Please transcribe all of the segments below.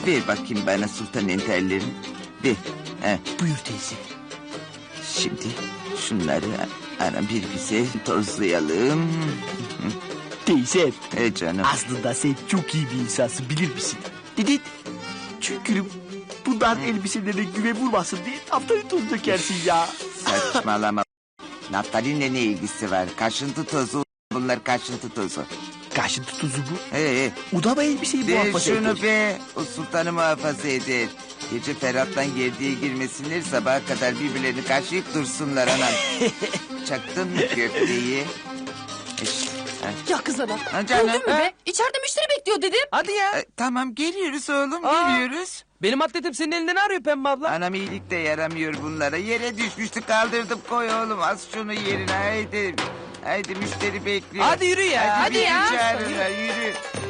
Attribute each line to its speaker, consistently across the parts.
Speaker 1: Ver bakayım bana sultan enterlerini. Ver. He.
Speaker 2: Buyur teyze.
Speaker 1: Şimdi şunları ana bir güzel tozlayalım.
Speaker 2: Teyze.
Speaker 1: Canım.
Speaker 2: Aslında sen çok iyi bir insansın, bilir misin? Dedin. Çünkü bundan elbiselerine güve vurmasın diye haftanın toz dökersin ya.
Speaker 1: Saçmalama. Naftalinle ne ilgisi var? Kaşıntı tozu. Bunlar kaşıntı tozu.
Speaker 2: Kaşıntı tuzu bu.
Speaker 1: O
Speaker 2: da mı elbiseyi
Speaker 1: ver
Speaker 2: muhafaza
Speaker 1: şunu
Speaker 2: eder?
Speaker 1: be. O sultanı muhafaza eder. Gece Ferhat'tan gerdiğe girmesinler. Sabaha kadar birbirlerini kaşıyıp dursunlar anam. Çaktın mı köfteyi?
Speaker 3: Ya kız ana.
Speaker 1: Ha canım.
Speaker 3: Öldün mü be? İçeride müşteri bekliyor dedim.
Speaker 4: Hadi ya.
Speaker 1: Tamam geliyoruz oğlum
Speaker 4: Aa.
Speaker 1: geliyoruz.
Speaker 4: Benim atletim senin elinden arıyor Pembe abla.
Speaker 1: Anam iyilik de yaramıyor bunlara. Yere düşmüştü kaldırdım koy oğlum az şunu yerine haydi. Haydi müşteri bekliyor.
Speaker 4: Hadi yürü ya.
Speaker 3: Hadi
Speaker 1: bizi
Speaker 3: ya.
Speaker 1: çağırırlar, yürü.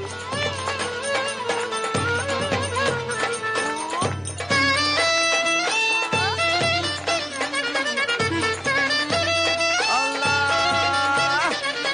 Speaker 1: Allah!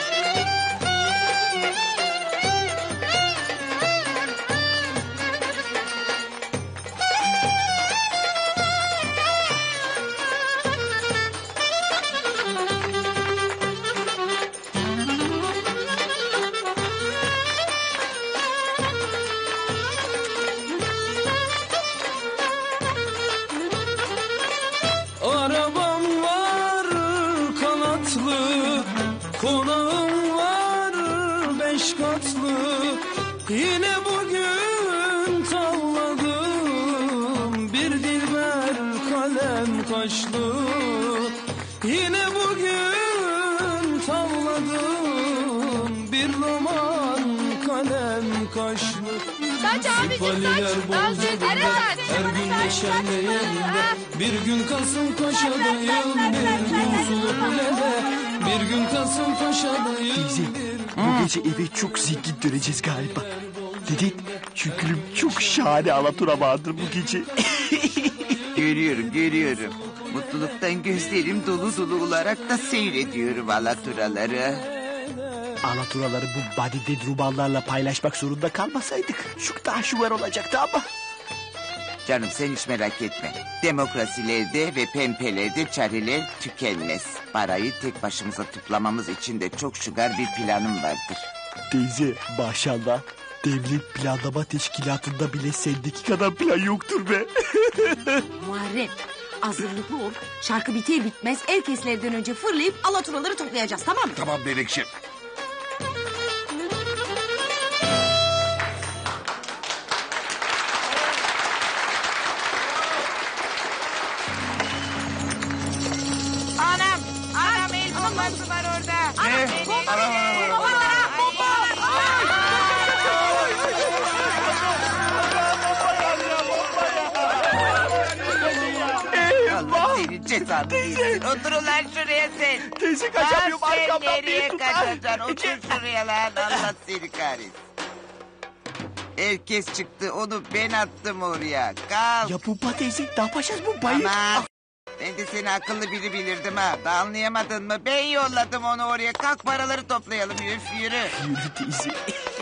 Speaker 5: Arabam var kanatlı, konağım var 5 katlı. Yine bugün tavladım bir dilber kalem kaşlı. Yine bugün tavladım bir roman kalem kaşlı. Sipaliler bozuldu her gün neşemleyende. Bir gün Kasımpaşa'dayım bir gün Sulukule'de. Bir gün Kasımpaşa'dayım.
Speaker 2: Teyze, bu gece eve çok zengin döneceğiz galiba. Dedin, çünkü çok şahane alatura vardır bu gece.
Speaker 1: Görüyorum. Mutluluktan gözlerim dolu dolu olarak da seyrediyorum alaturaları.
Speaker 2: Alaturaları bu badide rubanlarla paylaşmak zorunda kalmasaydık çok daha şuvar olacaktı ama.
Speaker 1: Canım sen hiç merak etme. Demokrasilerde ve pempelerde çareler tükenmez. Parayı tek başımıza toplamamız için de çok şugar bir planım vardır.
Speaker 2: Teyze maşallah devlet planlama teşkilatında bile sendeki kadar plan yoktur be.
Speaker 3: Muharrem hazırlıklı ol. Şarkı biter bitmez herkeslerden önce fırlayıp alaturaları toplayacağız, tamam mı?
Speaker 6: Tamam Melekşim.
Speaker 1: Anam el bombası var orada.
Speaker 6: Ne?
Speaker 1: Allah senin cezanı versin. Otur ulan şuraya sen.
Speaker 2: Teyze kaçamıyorum
Speaker 1: Lan sen
Speaker 2: arkamdan
Speaker 1: nereye
Speaker 2: bir tutar.
Speaker 1: kaçacaksın? Otur şuraya lan. Allah seni kahretsin. Herkes çıktı. Onu ben attım oraya. Kalk.
Speaker 2: Ya Pumpa teyze ne yapacağız bu bayır?
Speaker 1: Aman. Ben de seni akıllı biri bilirdim ha. Da anlayamadın mı? Ben yolladım onu oraya. Kalk paraları toplayalım. Yürü.
Speaker 2: Yürü teyze.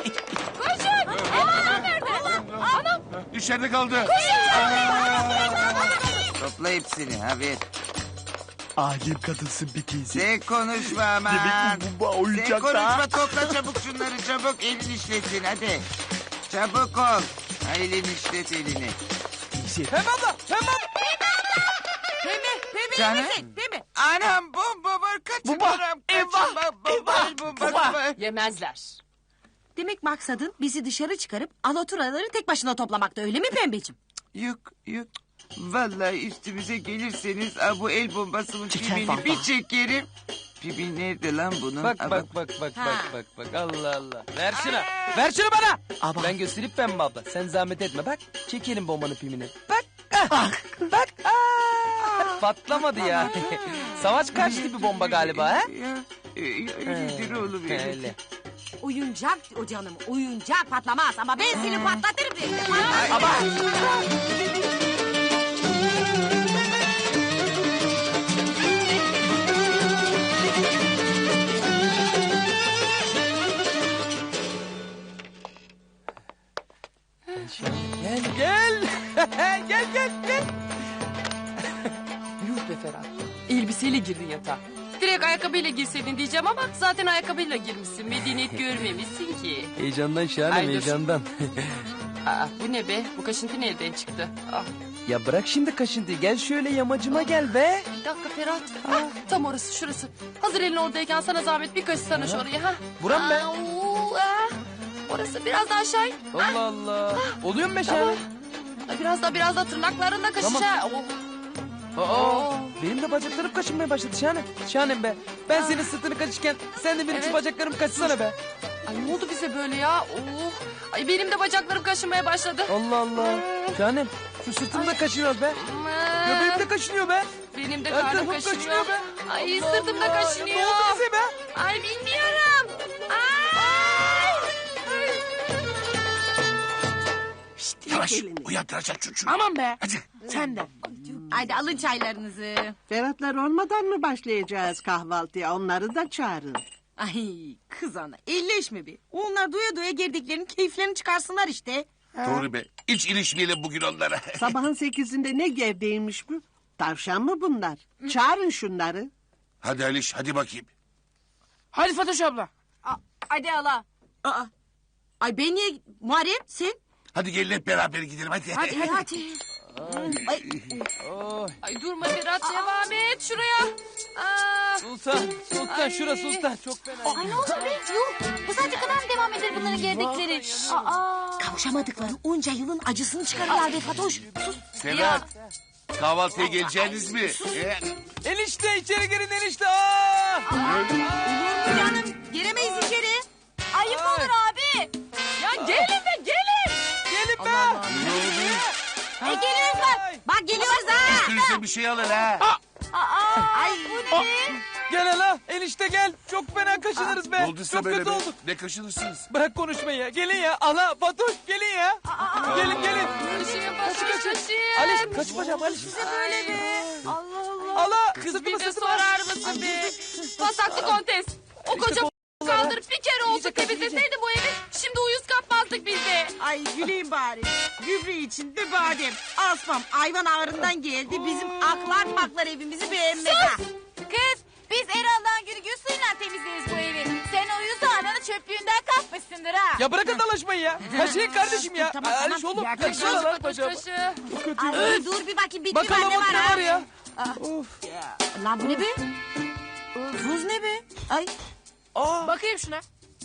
Speaker 6: İçeride kaldı.
Speaker 1: Topla hepsini. Ha ver.
Speaker 2: Alem kadınsın bir teyze.
Speaker 1: Sen konuşma aman.
Speaker 2: Demek bu bomba
Speaker 1: Sen
Speaker 2: oyuncak
Speaker 1: konuşma
Speaker 2: da.
Speaker 1: topla çabuk şunları çabuk. Elin işlesin hadi. Çabuk ol. Ha, elini işlet elini.
Speaker 2: Teyze.
Speaker 4: Pembe abla. Pembe abla.
Speaker 1: Canım. Anam bomba var kaçın
Speaker 2: Bomba,
Speaker 1: anam.
Speaker 2: eyvah, eyvah,
Speaker 1: Bombası
Speaker 2: bomba.
Speaker 1: var.
Speaker 3: Yemezler. Demek maksadın bizi dışarı çıkarıp alaturaları tek başına toplamakta, öyle mi pembeciğim?
Speaker 1: Yok. Vallahi üstümüze gelirseniz bu el bombasının
Speaker 2: Çeker
Speaker 1: pibini
Speaker 2: vallahi.
Speaker 1: bir çekerim. Pibi nerede lan bunun?
Speaker 4: Bak
Speaker 1: Ha,
Speaker 4: bak bak bak bak bak bak. Allah Allah. Ver şunu. Ver şunu bana.
Speaker 2: Ama-
Speaker 4: Ben göstereyim Pembe abla. Sen zahmet etme. Bak çekelim bombanın pimini. Bak. Ah. Bak. Ah. Patlamadı ya. Savaş karşıtı bir bomba galiba ha?
Speaker 1: Öyledir oğlum öyle.
Speaker 4: Öyle.
Speaker 3: Oyuncak o canım, oyuncak patlamaz ama ben seni patlatırım.
Speaker 4: Ama. Gel gel. Gel gel gel. Yuh be Ferhat. Elbiseyle girdin yatağa.
Speaker 6: Direkt ayakkabıyla girseydin diyeceğim ama zaten ayakkabıyla girmişsin. Medeniyet görmemişsin ki.
Speaker 4: Heyecandan şahane
Speaker 6: Ay, dur.
Speaker 4: heyecandan.
Speaker 6: Aa, bu ne be? Bu kaşıntı nereden çıktı? Ah,
Speaker 4: Ya bırak şimdi kaşıntıyı. Gel şöyle yamacıma gel be.
Speaker 6: bir dakika Ferhat. Ah, tam orası şurası. Hazır elin oradayken sana zahmet bir kaşısana şurayı. Ha?
Speaker 4: Buram be.
Speaker 6: Orası biraz daha aşağı in.
Speaker 4: Allah Allah. Oluyor mu be şahane?
Speaker 6: Ay, biraz daha tırnaklarında kaşış
Speaker 4: Tamam.
Speaker 6: ha. Oh.
Speaker 4: Aa, benim de bacaklarım kaşınmaya başladı şahane. Şahanem be. Ben senin sırtını kaşırken sen de benim şu
Speaker 6: Evet.
Speaker 4: bacaklarımı kaşısana be.
Speaker 6: Ay ne oldu bize böyle ya? Oh. Ay benim de bacaklarım kaşınmaya başladı.
Speaker 4: Allah Allah. Şahanem şu sırtımı da kaşınıyor be. Göbeğim de kaşınıyor be.
Speaker 6: Benim de
Speaker 4: Her
Speaker 6: karnım
Speaker 4: tarafım
Speaker 6: kaşınıyor.
Speaker 4: kaşınıyor be.
Speaker 6: Ay
Speaker 4: Allah
Speaker 6: sırtım da
Speaker 4: Allah.
Speaker 6: kaşınıyor.
Speaker 4: Ya ne oldu bize be?
Speaker 6: Ay bilmiyorum. Ay.
Speaker 7: Yavaş uyandıracak çocuğu.
Speaker 2: Aman be.
Speaker 7: Hadi.
Speaker 2: Sen de.
Speaker 3: Haydi alın çaylarınızı.
Speaker 8: Ferhatlar olmadan mı başlayacağız kahvaltıya? Onları da çağırın.
Speaker 3: Ay kız ana elleşme be. Onlar doya doya girdiklerinin keyiflerini çıkarsınlar işte.
Speaker 7: Doğru be. Hiç ilişmeyelim bugün onlara.
Speaker 8: Sabahın 8'inde ne gevdeymiş bu? Tavşan mı bunlar? Çağırın şunları.
Speaker 7: Hadi Aliş hadi bakayım.
Speaker 2: Hadi Fatoş abla.
Speaker 3: Hadi ala. Aa. Ay ben niye Muharrem sen?
Speaker 7: Hadi gelin hep beraber gidelim hadi.
Speaker 3: Hadi. Ay,
Speaker 6: Ay durma Ferhat devam et şuraya. Aa.
Speaker 4: Sultan şura Sultan. Çok fena.
Speaker 9: Ay ne oldu be? Yuh. Bu saate kadar mı devam eder bunların gerdikleri? Aa.
Speaker 3: kavuşamadıkları onca yılın acısını çıkarırlar be Fatoş. Sus.
Speaker 7: Ferhat. Kahvaltıya geleceğiniz mi?
Speaker 4: Enişte içeri girin enişte. Aa!
Speaker 3: Olur mu canım? Giremeyiz içeri.
Speaker 9: Ayıp olur abi.
Speaker 6: Ya gelin be gelin.
Speaker 4: Gelin be.
Speaker 3: Geliyoruz bak. Bak geliyoruz ha.
Speaker 7: Üstünüze bir şey alın ha.
Speaker 3: Ay bu ne?
Speaker 4: Gel hala enişte gel. Çok fena kaşınırız be.
Speaker 7: Ne olduysa
Speaker 4: Çok
Speaker 7: böyle
Speaker 4: kötü
Speaker 7: be.
Speaker 4: olduk.
Speaker 7: Ne kaşınırsınız?
Speaker 4: Bırak konuşmayı ya. Gelin ya. Ala Fatoş gelin ya. Gelin gelin.
Speaker 6: Kaşıyım kaşıyım.
Speaker 4: Aliş kaç bacağım Aliş.
Speaker 3: Böyle be.
Speaker 4: Allah
Speaker 6: Kız
Speaker 4: sırtımı
Speaker 6: bir de
Speaker 4: sırtıma.
Speaker 6: sorar mısın be? Pasaklı kontes. O koca kaldırıp bir kere olsa temizleseydi bu evi şimdi uyuz kapmazdık biz de.
Speaker 3: Ay güleyim bari. Gübre içinde badem. Asmam hayvan ağrından geldi. Bizim aklar maklar evimizi beğenmedi. ha.
Speaker 9: Kız biz Erol'dan gül suyla temizleriz bu evi. Sen o yüzü ananı çöplüğünden kapmışsındır ha.
Speaker 4: Ya bırakın dalaşmayı ya. Kaşıyın kardeşim ya.
Speaker 3: Tamam,
Speaker 4: Aliş
Speaker 3: tamam.
Speaker 4: oğlum.
Speaker 3: Ya,
Speaker 4: Kaşıyın
Speaker 6: Kaşı
Speaker 4: lan
Speaker 6: Fatoş
Speaker 4: bacağım.
Speaker 6: kaşı.
Speaker 3: Ay, dur bir bakayım bitti mi?
Speaker 4: Bakalım
Speaker 3: Ne var
Speaker 4: ne
Speaker 3: ha?
Speaker 4: var ya. Of.
Speaker 3: Lan bu ne be? Tuz ne be? Ay.
Speaker 2: Bakayım şuna.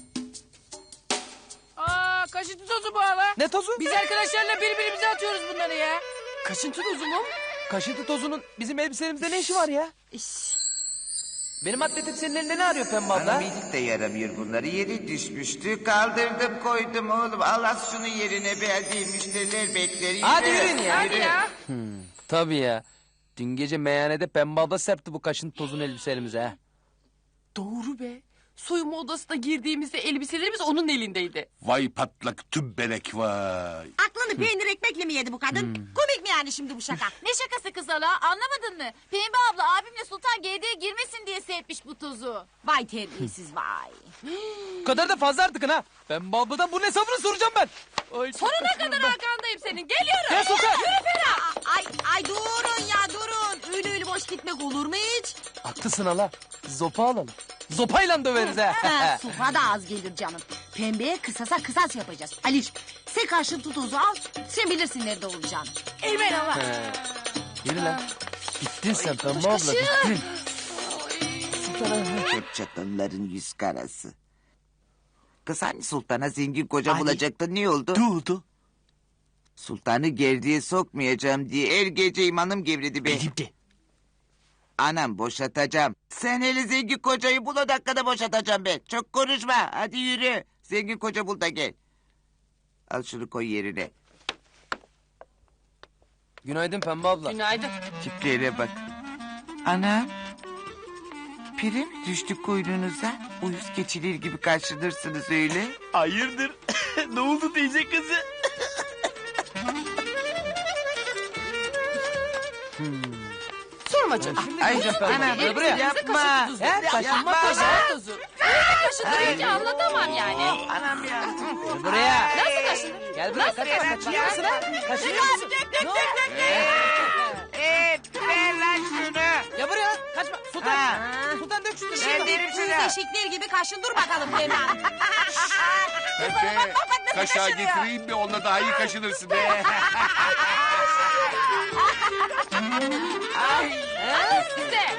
Speaker 2: Aa kaşıntı tozu bu hala.
Speaker 4: Ne tozu?
Speaker 2: Biz arkadaşlarla birbirimize atıyoruz bunları ya.
Speaker 6: Kaşıntı tozu mu?
Speaker 4: Kaşıntı tozunun bizim elbiselerimizde ne işi var ya? Benim atletim senin elinde ne arıyor Pembe abla?
Speaker 1: Bana iyilik de yaramıyor bunları. Yeri düşmüştü. Kaldırdım koydum oğlum. Al as şunu yerine beğendiğim müşteriler bekler.
Speaker 4: Hadi yürüyün ya.
Speaker 6: Hadi ya.
Speaker 4: Tabii ya. Dün gece meyhanede Pembe abla serpti bu kaşıntı tozunu elbiselerimize ha.
Speaker 6: Doğru be. Soyunma odasına girdiğimizde elbiselerimiz onun elindeydi.
Speaker 7: Vay patlak tümbelek vay.
Speaker 3: Aklını peynir ekmekle mi yedi bu kadın? Komik mi yani şimdi bu şaka?
Speaker 9: Ne şakası kız hala anlamadın mı? Pembe abla abimle Sultan GD'ye girmesin diye serpmiş bu tozu.
Speaker 3: Vay terbiyesiz vay.
Speaker 4: Bu kadar da fazla artık ha. Pembe abladan bunun hesabını soracağım ben. Ay, çok
Speaker 6: Sonuna
Speaker 4: kaçırıyorum
Speaker 6: kadar
Speaker 4: ben.
Speaker 6: arkandayım senin. Geliyorum.
Speaker 4: Gel Sultan.
Speaker 3: Ay durun ya durun. Öyle boş gitmek olur mu hiç?
Speaker 4: Haklısın hala. Zopa alalım. Zopayla döveriz ha.
Speaker 3: Ha, sofa da az gelir canım. Pembeye kısasa kısas yapacağız. Aliş sen karşın tutuzu al. Sen bilirsin nerede olacağını.
Speaker 2: Eymen Allah.
Speaker 4: Yürü lan. Bittin sen Pembe abla bittin.
Speaker 1: Hep çatalların yüz karası. Kız hani sultana zengin koca bulacaktı ne oldu?
Speaker 2: Ne oldu?
Speaker 1: Sultanı gerdiğe sokmayacağım diye her gece imanım gevredi be.
Speaker 2: Benim de.
Speaker 1: Anam boşatacağım. Sen hele zengin kocayı bul o dakikada boşatacağım ben. Çok konuşma hadi yürü. Zengin koca bul da gel. Al şunu koy yerine.
Speaker 4: Günaydın Pembe abla.
Speaker 6: Günaydın.
Speaker 1: Tiplere bak. Anam. Pire mi düştü kuyruğunuza? Uyuz keçiler gibi karşılarsınız öyle.
Speaker 2: Hayırdır? Ne oldu teyze kızı?
Speaker 6: Sorma canım.
Speaker 1: Ay anam
Speaker 4: Gel buraya.
Speaker 1: yapma.
Speaker 4: He kaşınma tozu.
Speaker 6: Tozu. Kaşındırınca anlatamam yani.
Speaker 1: Anam ya.
Speaker 4: Buraya.
Speaker 6: Nasıl kaşınır?
Speaker 4: Gel buraya kaçma. Kaçıyor musun ha? Kaçıyor musun? Ne oldu?
Speaker 1: Ver lan şunu.
Speaker 4: Ya buraya kaçma. Sultan.
Speaker 1: Ha.
Speaker 4: Sultan dök şunu.
Speaker 1: Ben derim
Speaker 3: Kız
Speaker 1: sana.
Speaker 3: eşekler gibi kaşın dur bakalım hemen.
Speaker 7: Pepe, kaşığa getireyim mi? Onunla daha iyi kaşınırsın be.
Speaker 6: Size.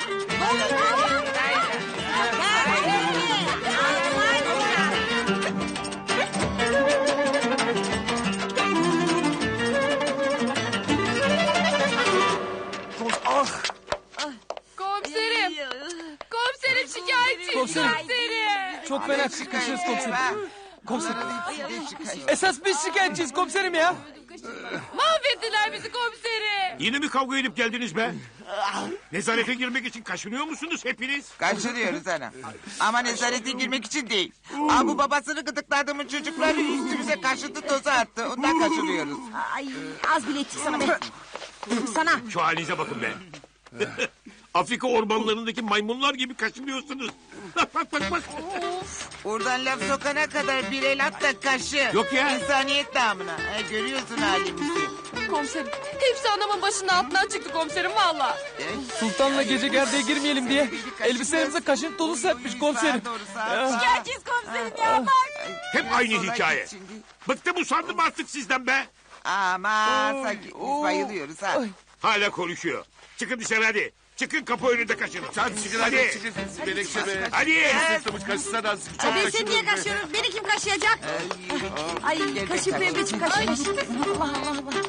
Speaker 2: Ah.
Speaker 6: Komiserim. Komiserim şikayetçiyim.
Speaker 4: Komiserim.
Speaker 6: Komiserim.
Speaker 4: Çok fena kaşırız komiserim. Komiserim.
Speaker 1: Komiserim.
Speaker 4: Esas biz şikayetçiyiz komiserim ya.
Speaker 6: Mahvettiler bizi komiserim.
Speaker 10: Yine mi kavga edip geldiniz be? Nezarete girmek için kaşınıyor musunuz hepiniz?
Speaker 1: Kaçırıyoruz ana. Ama nezarete girmek için değil. Bu babasını gıdıkladığımız çocukları üstümüze kaşıntı tozu attı. Ondan kaçırıyoruz.
Speaker 3: Ay az bile ettik sana be. Sana.
Speaker 10: Şu halinize bakın be. Afrika ormanlarındaki maymunlar gibi kaşınıyorsunuz. Bak bak bak bak.
Speaker 1: Oradan laf sokana kadar bir el at da kaşı.
Speaker 10: Yok ya.
Speaker 1: İnsaniyet namına. Görüyorsun halimizi.
Speaker 6: Komiserim. Hepsi anamın başının altından çıktı komiserim valla.
Speaker 4: Sultanla gece gerdeğe girmeyelim diye elbiselerimize kaşın tozu serpmiş komiserim.
Speaker 9: Şikayetçiyiz komiserim ya bak.
Speaker 10: Hep aynı hikaye. Bıktım usandım artık sizden be.
Speaker 1: Aman sanki biz bayılıyoruz ha.
Speaker 10: Hala konuşuyor. Çıkın dışarı hadi. Çıkın kapı önünde kaşının.
Speaker 7: Hadi çıkın
Speaker 10: Hadi.
Speaker 7: hadi. Çıkın Menekşe be.
Speaker 10: Hadi.
Speaker 7: Sırtımız kaşısana azıcık. Çok
Speaker 3: Ben seni niye
Speaker 7: kaşınıyorum be.
Speaker 3: kaşıyorum? Beni kim kaşıyacak? Ay kaşı pembeciğim kaşımış. Allah Allah Allah.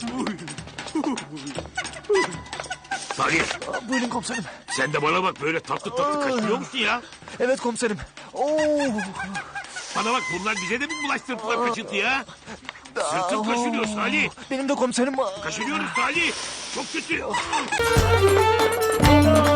Speaker 10: Salih
Speaker 2: Buyurun komiserim.
Speaker 10: sen de bana bak böyle tatlı tatlı kaşınıyor musun ya?
Speaker 2: Evet komiserim. Oo.
Speaker 10: Bana bak bunlar bize de mi bulaştırdılar kaşıntıyı ha? Sırtım kaşınıyor Salih.
Speaker 2: Benim de komiserim.
Speaker 10: Kaşınıyoruz Salih. Çok kötü.